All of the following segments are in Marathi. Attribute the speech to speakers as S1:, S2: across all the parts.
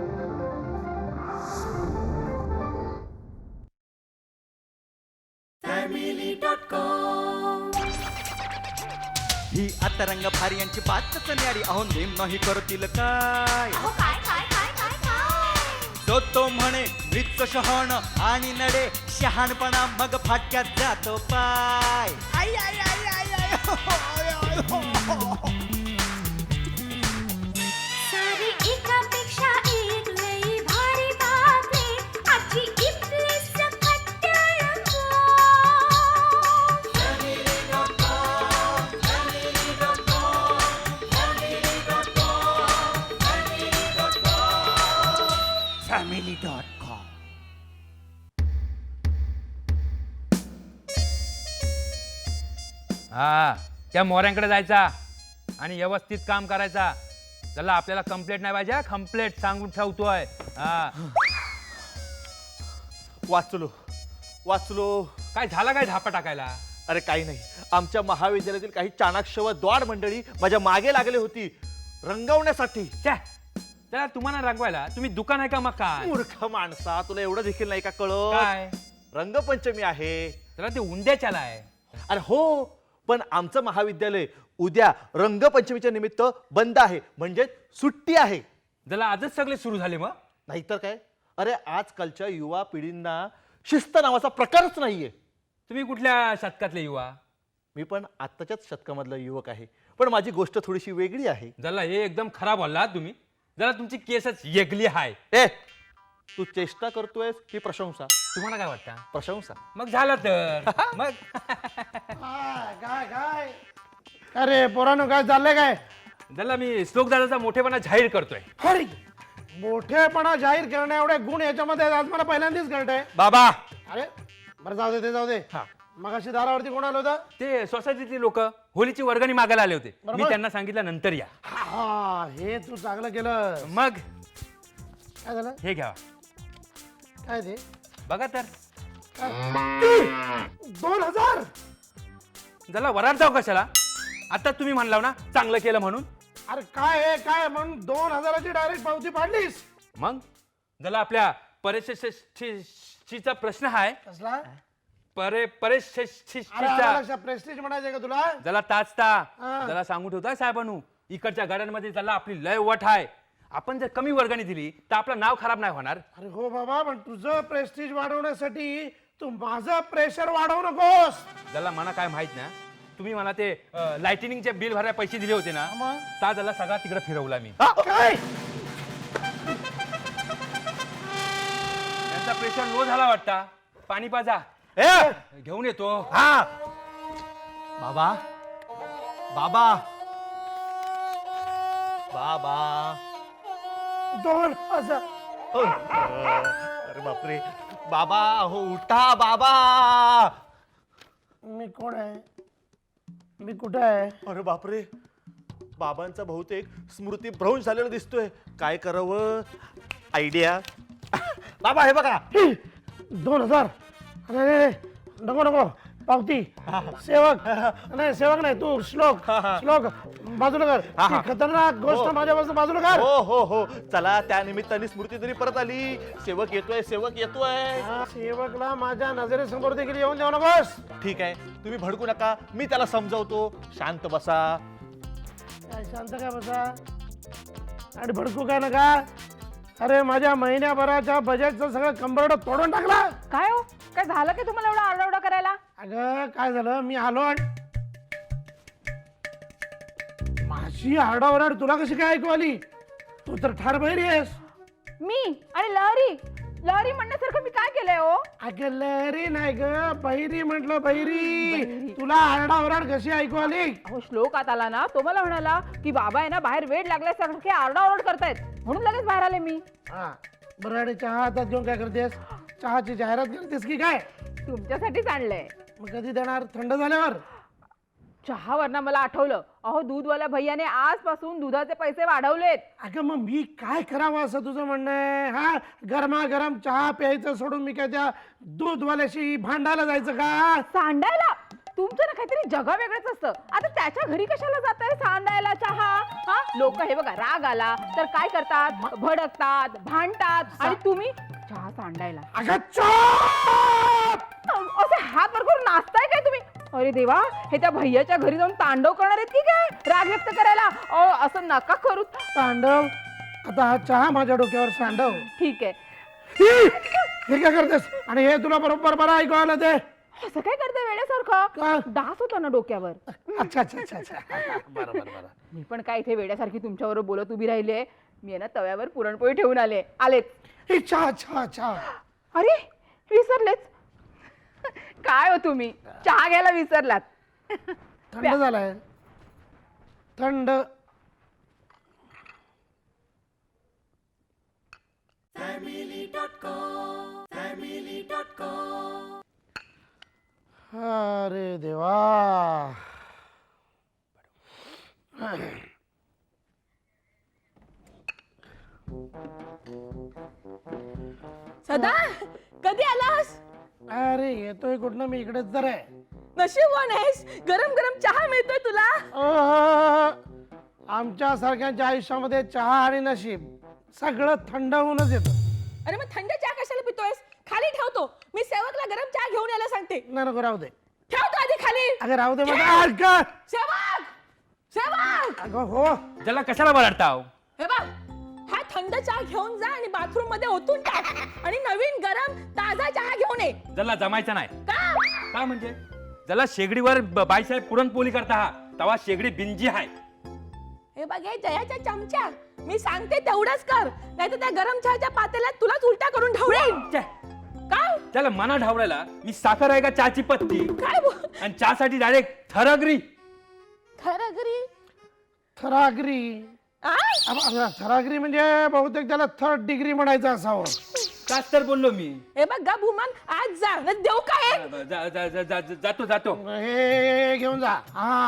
S1: ही आता रंग भारी यांची बातच न्यारी, अहो नेम नाही करतील काय. तो तो म्हणे मृत शहाण आणि नडे शहाणपणा, मग फाटक्यात जातो पाय. आई आई आई आई आई हो, आय, आय, हो, हो.
S2: सारी एकापेक्षा एक लई भारी बातमी, आजची इथली सकट टेलिफोन.
S1: family.com.
S3: हा, त्या मोऱ्यांकडे जायचा आणि व्यवस्थित काम करायचा. त्याला आपल्याला कंप्लेंट नाही पाहिजे, कंप्लेंट सांगून ठेवतोय. हा,
S4: वाचलो वाचलो.
S3: काय झाला काय झापा टाकायला?
S4: अरे काही नाही, आमच्या महाविद्यालयातील काही चाणाक्ष व द्वाड मंडळी माझ्या मागे लागली होती रंगवण्यासाठी.
S3: छे, त्याला तुम्हाला रंगवायला तुम्ही दुकान आहे का मग काय?
S4: मूर्ख माणसा, तुला एवढं देखील नाही का कळत?
S3: काय
S4: रंगपंचमी आहे.
S3: त्याला ते उंद्याच्याला आहे.
S4: अरे हो, पण आमचं महाविद्यालय उद्या रंगपंचमीच्या निमित्त बंद आहे, म्हणजे सुट्टी आहे.
S3: त्याला आजच सगळे सुरू झाले मग?
S4: नाहीतर काय. अरे आजकालच्या युवा पिढींना शिस्त नावाचा प्रकारच नाहीये.
S3: तुम्ही कुठल्या शतकातले युवा?
S4: मी पण आत्ताच्याच शतकामधला युवक आहे, पण माझी गोष्ट थोडीशी वेगळी आहे.
S3: जला हे एकदम खराब बोलला तुम्ही. जरा तुमची केसच येगली आहे.
S4: ए, तू चेष्टा करतोयस की प्रशंसा?
S3: तुम्हाला काय वाटतं?
S4: प्रशंसा.
S3: मग झालं तर मग
S5: काय काय अरे पोरानो, काय चाललंय काय?
S3: जला मी श्लोक दादाचा मोठेपणा जाहीर करतोय.
S5: अरे मोठेपणा जाहीर करण्या एवढे गुण याच्यामध्ये आज मला पहिल्यांदाच कळतंय.
S3: बाबा,
S5: अरे बरं, जाऊ दे ते जाऊ दे. मग अशी दारावरती कोण आलं होतं?
S3: ते सोसायटीतली लोक होलीची वर्गणी मागायला आले होते. मी
S5: बरोबर.
S3: त्यांना सांगितलं नंतर या.
S5: हा, हे तू चांगलं केलं.
S3: मग
S5: काय झालं?
S3: हे घ्या,
S5: काय ते?
S3: बघा तर.
S5: 2000?
S3: जला वरार जाऊ कशाला? आता तुम्ही म्हणलाव ना चांगलं केलं म्हणून.
S5: अरे काय आहे काय म्हणून 2000ची डायरेक्ट पावती पाडलीस?
S3: मग जला आपल्या परेशचा प्रश्न आहे.
S5: कसला?
S3: परे
S5: अरे
S3: परेशचा
S5: लक्षात, प्रेस्टिज म्हणायचं का तुला?
S3: जला ताचता
S5: हा.
S3: जला सांगू ठेवताय साहेबांनू, इकडच्या गाड्यांमध्ये जला आपली लय वट आहे. आपण जर कमी वर्गणी दिली तर आपलं नाव खराब नाही होणार.
S5: अरे हो बाबा, पण तुझं प्रेस्टिज वाढवण्यासाठी तू माझं प्रेशर वाढवू नकोस.
S3: ज्याला मला काय माहित ना, तुम्ही मला ते लाइटिनिंगचे बिल भरायला पैसे दिले होते ना,
S5: मग?
S3: ता त्याला सगळा तिकडे फिरवला मी.
S5: काय?
S3: त्यांचा प्रेशर लो झाला वाटता. पाणी पाजा,
S4: ए,
S3: घेऊन येतो.
S4: हा बाबा, बाबा, बाबा.
S5: 2000?
S4: अरे बापरे, बाबा हो, उठा बाबा.
S5: मी कोण आहे? मी कुठे आहे?
S4: अरे बापरे, बाबांचा बहुतेक स्मृती भ्रंश झालेला दिसतोय. काय करावं? आयडिया. बाबा हे बघा.
S5: 2000? अरे नको नको, पावती. सेवक नाही, सेवक नाही, तू श्लोक. श्लोक बाजूला कर. ही खतरनाक गोष्ट माझ्यापासून बाजूला कर.
S4: हो हो हो, चला त्या निमित्ताने स्मृती तरी परत आली. सेवक येतोय, सेवक येतोय.
S5: हा, सेवकला माझ्या नजरेसमोर देखील येऊन देऊ नकोस.
S4: ठीक आहे, तुम्ही भडकू नका, मी त्याला समजावतो. शांत बसा.
S5: काय शांत काय बसा आणि भडकू काय नका. अरे माझ्या महिन्याभराच्या बजेटचं सगळं कंबरड तोडून टाकला.
S6: काय हो, काय झालं की तुम्हाला एवढा आरडाओरडा करायला?
S5: अगं काय झालं, मी आलो आणि माझी आरडाओरड तुला कशी काय ऐकू आली? तू तर ठार बहिरी आहेस.
S6: मी आणि लहरी लहरी म्हणण्यासारखं मी काय केलंय हो?
S5: अगं लहरी नाही ग, बहिरी म्हटलं, बहिरी. तुला आरडाओरड कशी ऐकू आली?
S6: अहो श्लोक आत आला ना, तो मला म्हणाला की बाबा आहे ना बाहेर वेळ लागल्यासारखे आरडाओरड करतायत, म्हणून लगेच बाहेर आले मी.
S5: हा बरं, आणि चहा हातात घेऊन काय करतेस? चहाची जाहिरात करतेस की काय?
S6: तुमच्यासाठीच आणलंय.
S5: मग कधी देणार? थंड झाल्यावर?
S6: चहावरनं मला आठवलं, अहो दूधवाल्या भैयाने आजपासून दुधाचे पैसे वाढवलेत.
S5: अगं मग मी काय करावं असं तुझं म्हणणं आहे? हा, गरमागरम चहा प्यायचं सोडून मी काय त्या दूधवाल्याशी भांडायला जायचं का?
S6: सांडायला? तुमचं ना काहीतरी जगा वेगळंच असतं. आता त्याच्या घरी कशाला जाताय सांडायला चहा? हा, लोक हे बघा राग आला तर काय करतात, भडकतात, भांडतात, आणि तुम्ही चहा सांडायला
S5: अगं चुप!
S6: असे हात वर करून नाचताय काय तुम्ही? अरे देवा, हे त्या भैयाच्या घरी जाऊन तांडव करणार आहेत की काय राग व्यक्त करायला? असं नका करू.
S5: तांडव? आता हा चहा माझ्या डोक्यावर सांडव.
S6: ठीक आहे.
S5: हे काय करतेस? आणि हे तुला बरोबर बरं ऐकू आलं ते?
S6: असं काय करताय
S5: का?
S6: वेड्यासारखं? डास होता ना डोक्यावर.
S5: अच्छा अच्छा अच्छा अच्छा बरोबर बरं.
S6: मी पण काय इथे वेड्यासारखी तुमच्याबरोबर बोलत उभी राहिली. मी आहे ना तव्यावर पुरणपोळी ठेवून आलेच.
S5: हे चहा चहा चहा.
S6: अरे विसरलेच. काय हो तुम्ही चहा घ्यायला विसरलात?
S5: थंड झालाय थंड. अरे देवा.
S7: सदा कधी आलास?
S5: अरे येतोय कुठनं, मी इकडेच तर आहे.
S7: नशीबवान आहेस, गरम गरम चहा मिळतोय तुला.
S5: आमच्या सारख्यांच्या आयुष्यामध्ये चहा आणि नशीब सगळं थंड होऊनच येतं.
S7: अरे मग थंड चहा कशाला पितोयस? खाली ठेवतो, मी सेवकला गरम चहा घेऊन यायला सांगते.
S5: नाही नको राहू दे.
S7: ठेवतो आधी खाली.
S5: अगं राहू दे माझं.
S7: सेवक सेवक,
S5: अगं हो.
S3: त्याला कशाला बरडताव?
S7: हे बघ, हा थंड चहा घेऊन जा आणि बाथरूम मध्ये ओतून टाक आणि नवीन गरम ताजा चहा घेऊन ये.
S3: त्याला जमायचं नाही.
S7: का?
S3: का म्हणजे ज्याला शेगडीवर बाईसाहेब पुरणपोळी करता हा तवा शेगडी बिंजी आहे.
S7: हे बघ, हे जयाच्या चमच्या, मी सांगते तेवढंच कर, नाहीतर त्या गरम चहाच्या पातेल्यात तुलाच उलटा करून ढवळेन.
S3: छे,
S7: काय
S3: त्याला मना ढावळायला मी साखर आहे का चहाची पत्ती
S7: काय
S3: आणि चहासाठी डायरेक्ट थरगरी.
S7: खरं घरी
S5: थरागरी.
S7: आ?
S5: थरागरी म्हणजे बहुतेक त्याला 3rd डिग्री म्हणायचं असावं.
S3: काच तर बोललो मी.
S7: हे बघ गा भूमान, आज जा न देऊ काय?
S3: जातो जातो.
S5: हे घेऊन जा.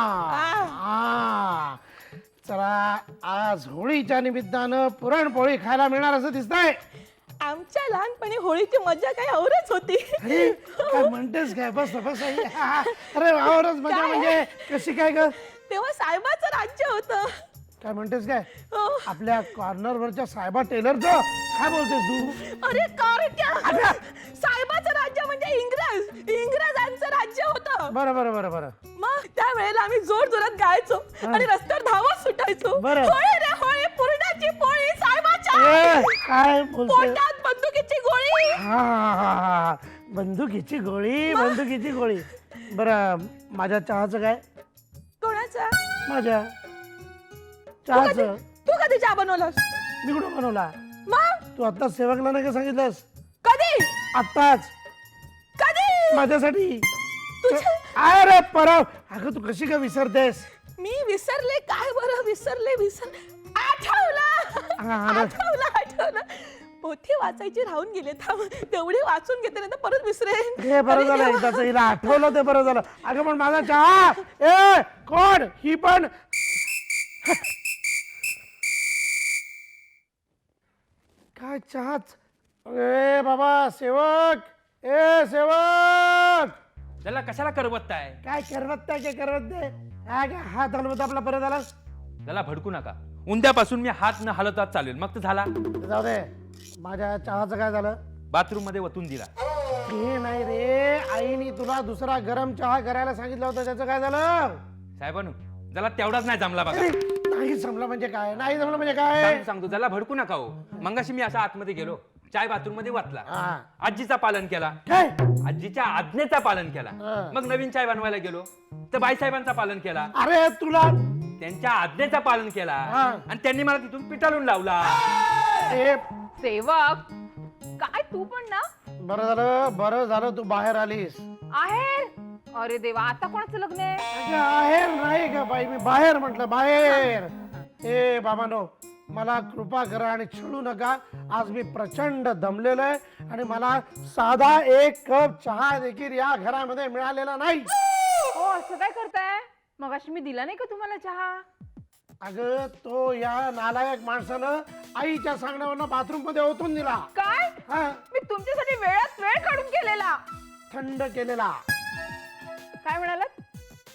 S5: हा चला, आज होळीच्या निमित्तानं पुरणपोळी खायला मिळणार असं दिसतंय.
S7: आमच्या लहानपणी होळीची मजा काही औरच होती.
S5: अरे काय म्हणतेस काय? बस बस. अरे आवरच मजा
S7: काय?
S5: म्हणजे कशी काय ग?
S7: तेव्हा साहेबाचं राज्य होतं.
S5: काय म्हणतेस काय?
S7: हो.
S5: आपल्या कॉर्नरवरच्या साहेबा टेलरचं काय बोलतेस तू?
S7: अरे कारट्या, साहेबाचं राज्य म्हणजे इंग्रजांचं राज्य होतं.
S5: बरं बरं बरं बरं.
S7: मग त्या वेळेला आम्ही जोर जोरात गायचो आणि रस्त्यावर धावत सुटायचो.
S5: बरं.
S7: होळी रे होळी, पुरणाची पोळी साहेबाच्या.
S5: ए, काय बोलते?
S7: पोटात बंदुकीची गोळी.
S5: हा बंदुकीची गोळी, बंदुकीची गोळी. बरं, माझ्या चहाचं काय?
S7: कोणाचा?
S5: माझ्या
S7: तू कधी
S5: चहाचं
S7: तू कधी चहा बनवलास?
S5: मी कुठं बनवला?
S7: मग
S5: तू आत्ताच सेवकला नाही का सांगितलंस?
S7: कधी
S5: आत्ताच
S7: कधी
S5: माझ्यासाठी.
S7: तुझ्या
S5: अरे परव, अगं तू कशी काय विसरतेस?
S7: मी विसरले काय बरं? विसर आठवलं.
S5: हा, हा.
S7: आठवलं. पोथी वाचायची राहून गेले, थांब तेवढी वाचून घेते, नाही तर परत विसरेन.
S5: हे बरं
S7: अरे
S5: झालं,
S7: देवा.
S5: एकदाच हिला आठवलं ते बरं झालं. अगं पण माझा चहा. ए कोण ही पण? काय चहाच? अरे बाबा सेवक, ए सेवक,
S3: त्याला कशाला करवताय?
S5: काय करवत काय करवत नाही. काय हात हलवत आपला परत आला.
S3: त्याला भडकू नका. उद्यापासून मी हात न हलवतात चालेल. मग तर झाला.
S5: जाऊ दे. माझ्या चहाचं काय झालं?
S3: बाथरूम मध्ये वतून दिला.
S5: हे नाही रे, आईने तुला दुसरा गरम चहा करायला सांगितलं होतं, त्याचं काय झालं?
S3: साहेबांनो, त्याला तेवढाच नाही जमला बघा.
S5: अरे, नाही जमलं म्हणजे काय? नाही जमलं म्हणजे काय?
S3: सांगतो त्याला भडकू नका हो. मंगाशी मी असा आतमध्ये गेलो, चाय बाथरूम मध्ये वाचला,
S5: हा.
S3: आजीचा पालन केला,
S5: काय?
S3: आजीच्या आज्ञेचा पालन केला.
S5: हा.
S3: मग नवीन चाय बनवायला गेलो तर बाईसाहेबांचा पालन केला,
S5: अरे तुला
S3: त्यांच्या आज्ञेचा पालन केला
S5: हा.
S3: आणि त्यांनी मला तिथून पिटाळून लावला.
S5: ए,
S6: सेवक, काय तू पण ना
S5: बरं झालं तू बाहेर आलीस.
S6: आहे. अरे देवा, आता कोणाचं लग्न आहे?
S5: अगं, आहेर नाही का बाई, मी बाहेर म्हटलं, बाहेर. ए बाबानो, मला कृपा करा आणि छळू नका. आज मी प्रचंड दमलेलो आहे आणि मला साधा एक कप चहा देखील या घरामध्ये मिळालेला नाही.
S6: हो, असं काय करताय? मगाशी मी दिला नाही का तुम्हाला चहा?
S5: अगं, तो या नालायक माणसानं आईच्या सांगण्यावरनं बाथरूम मध्ये ओतून दिला.
S6: काय?
S5: हा,
S6: मी तुमच्यासाठी वेळात वेळ काढून केलेला.
S5: थंड केलेला.
S6: काय म्हणालात?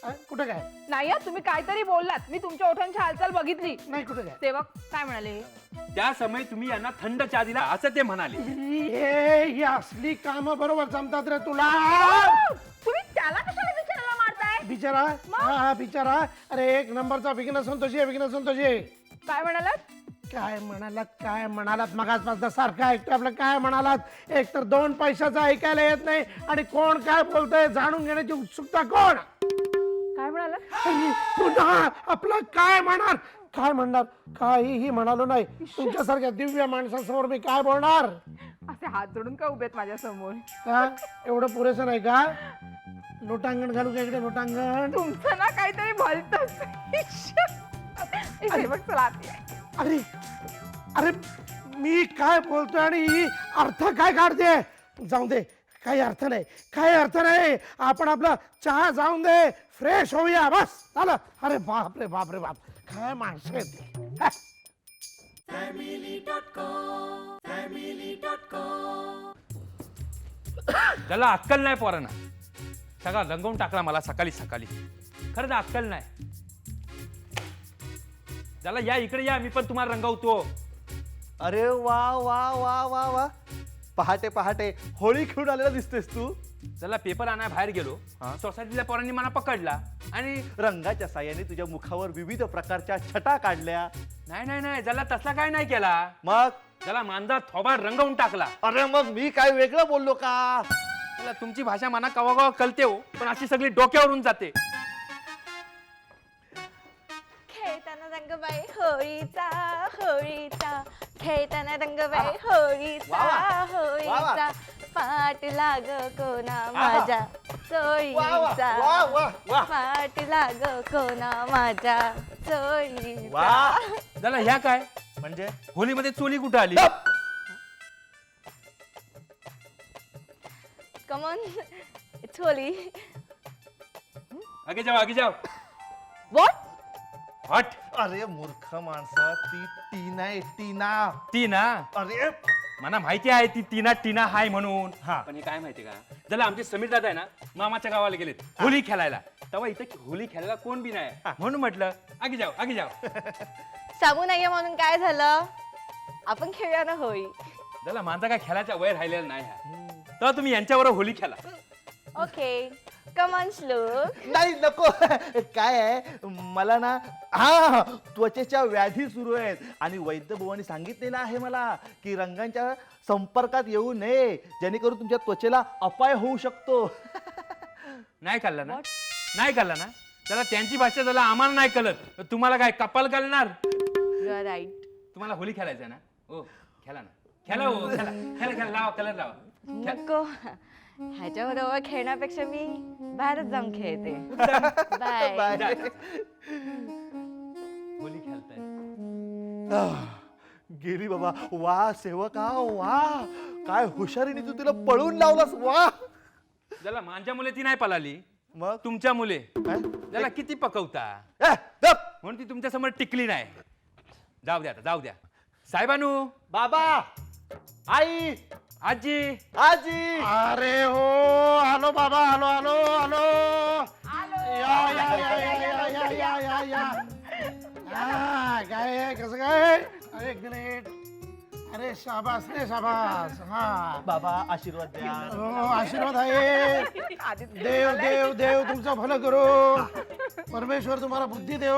S5: कुठे काय
S6: नाही हं, तुम्ही काहीतरी बोललात मी तुमच्या ओठांची हालचाल बघितली.
S5: नाही कुठे काय
S6: सेवक काय म्हणाले?
S3: त्या समय तुम्ही यांना थंड चहा दिला असं ते म्हणाले.
S5: ही असली काम बरोबर जमतात रे तुला.
S6: तुम्ही त्याला कशाला विचारायला मारताय?
S5: बिचारा हा बिचारा. अरे एक नंबरचा विघ्न संतोषी आहे, विघ्न संतोषी.
S6: काय म्हणालात?
S5: काय म्हणालात मगाचपासून सारखं ऐकतो आपलं. काय म्हणालात? एक तर 2 पैशाचं ऐकायला येत नाही आणि कोण काय बोलतंय जाणून घेण्याची उत्सुकता. कोण
S6: काय म्हणालात?
S5: पुन्हा आपलं काय म्हणणार काहीही म्हणालो नाही. तुमच्यासारख्या दिव्य माणसासमोर मी काय बोलणार.
S6: असे हात जोडून का उभेत माझ्या समोर?
S5: का एवढं पुरेसं नाही का? लोटांगण घालू का इकडे लोटांगण?
S6: तुमचं ना काहीतरी भलतंच. सेवक चला आत या.
S5: अरे अरे मी काय बोलतोय आणि ही अर्थ काय काढते. जाऊन दे, काही अर्थ नाही. आपण आपला चहा जाऊन दे, फ्रेश होऊया बस झालं. अरे बाप रे बाप रे बाप, काय माणसं आहेत ती. हा.
S3: त्याला अक्कल नाही पोरांना. सगळा रंगवून टाकला मला सकाळी. खरंच अक्कल नाही. त्याला या इकडे या, मी पण तुम्हाला रंगवतो.
S4: अरे वा वा वा वा वा, पहाटे होळी खेळून आलेला दिसतेस तू.
S3: त्याला पेपर आणाय बाहेर गेलो, सोसायटीच्या पोरांनी मला पकडला आणि
S4: रंगाच्या साह्याने तुझ्या मुखावर विविध प्रकारच्या छटा काढल्या.
S3: नाही त्याला तसला काय नाही केला.
S4: मग
S3: त्याला मांजा थोबाड रंगवून टाकला.
S4: अरे मग मी काय वेगळं बोललो का?
S3: त्याला तुमची भाषा मना कवा कळते हो, पण अशी सगळी डोक्यावरून जाते.
S2: खेळताना रंगबाई होळीचा खेळताना रंगबाई होळीचा पाठ लाग कोणा माझ्या चोळीचा पाठ लाग कोणा माझ्या चोळीचा.
S3: त्याला ह्या काय
S4: म्हणजे
S3: होलीमध्ये चोली कुठं आली?
S2: कमॉन चोली.
S3: आगे जाओ.
S2: व्हॉट?
S3: हट.
S4: अरे मूर्ख माणसा, ती टीना.
S3: ती ना,
S4: अरे
S3: मला माहिती आहे ती टीना हाय म्हणून.
S4: हा.
S3: पण हे काय माहिती का, ज्याला आमचे समीर दादा आहे ना मामाच्या गावाला गेलेत होली खेळायला, तेव्हा इथं होली खेळायला कोण बी नाही. म्हणून म्हटलं आगे जाओ.
S2: सांगू नाहीये म्हणून काय झालं? आपण खेळूया ना होळी.
S3: त्याला माझा काय खेळायचा वय राहिलेला नाही हा. तेव्हा तुम्ही यांच्यावर होली खेळा.
S2: ओके कमॉन श्लोक.
S4: नाही नको. काय आहे मला ना, हा त्वचेच्या व्याधी सुरू आहेत आणि वैद्यभुवानी सांगितलेलं आहे मला की रंगांच्या संपर्कात येऊ नये, जेणेकरून तुमच्या त्वचेला अपाय होऊ शकतो.
S3: नाही कळलं ना? त्याला त्यांची भाषा त्याला आम्हाला नाही कळत, तर तुम्हाला काय कपाल घालणार?
S2: You are right.
S3: तुम्हाला होली खेळायचं ना? हो खेळा ना. खेळा लावा, कलर लावा.
S2: नको, ह्याच्याबरोबर खेळण्यापेक्षा मी बाहेरच जाऊन खेळते. बाय.
S4: बाय.
S3: होली खेळताय.
S4: गेली बाबा. वा सेवका वा, काय हुशारीने तू तिला पळून लावलास. वा.
S3: त्याला माझ्या मुले ती नाही पळाली,
S4: मग
S3: तुमच्या मुले
S4: काय?
S3: त्याला किती पकवता
S4: गप.
S3: म्हणून ती तुमच्या समोर टिकली नाही. जाऊ द्या. साहेबानू,
S4: बाबा, आई,
S3: आजी,
S5: अरे हो, आलो बाबा, आलो. या. काय आहे, कसं काय? अरे एक मिनिट. अरे शाबास रे शाबास. हा
S4: बाबा आशीर्वाद द्या.
S5: हो, आशीर्वाद आहे. देव तुमचं भलं करो. परमेश्वर तुम्हाला बुद्धी देव.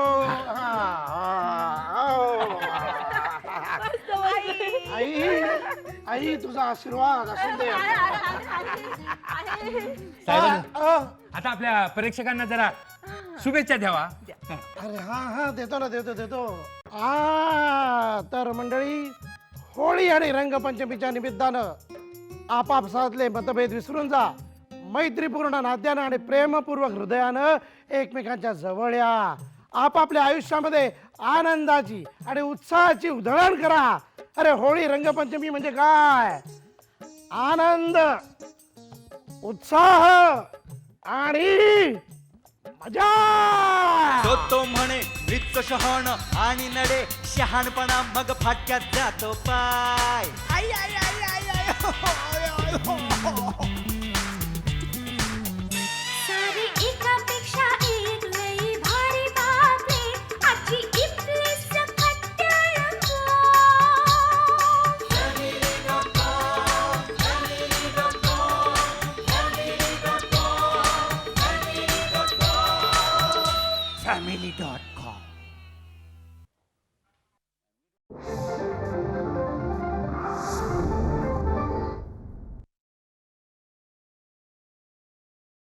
S5: आई तुझा आशीर्वाद असू दे.
S3: साहेबानू, आता आपल्या परीक्षकांना जरा शुभेच्छा द्यावा.
S5: अरे हा देतो ना, देतो. तर मंडळी, होळी आणि रंगपंचमीच्या निमित्तानं आपापसातले मतभेद विसरून जा. मैत्रीपूर्ण नात्यानं आणि प्रेमपूर्वक हृदयानं एकमेकांच्या जवळ या. आपापल्या आयुष्यामध्ये आनंदाची आणि उत्साहाची उधळण करा. अरे होळी रंगपंचमी म्हणजे काय? आनंद, उत्साह आणि मजा.
S1: तो म्हणे वृत्त शहाण आणि नडे शहाणपणा मग फाटक्यात जातो पाय. आई,
S2: सारी एकापेक्षा एक
S1: family.com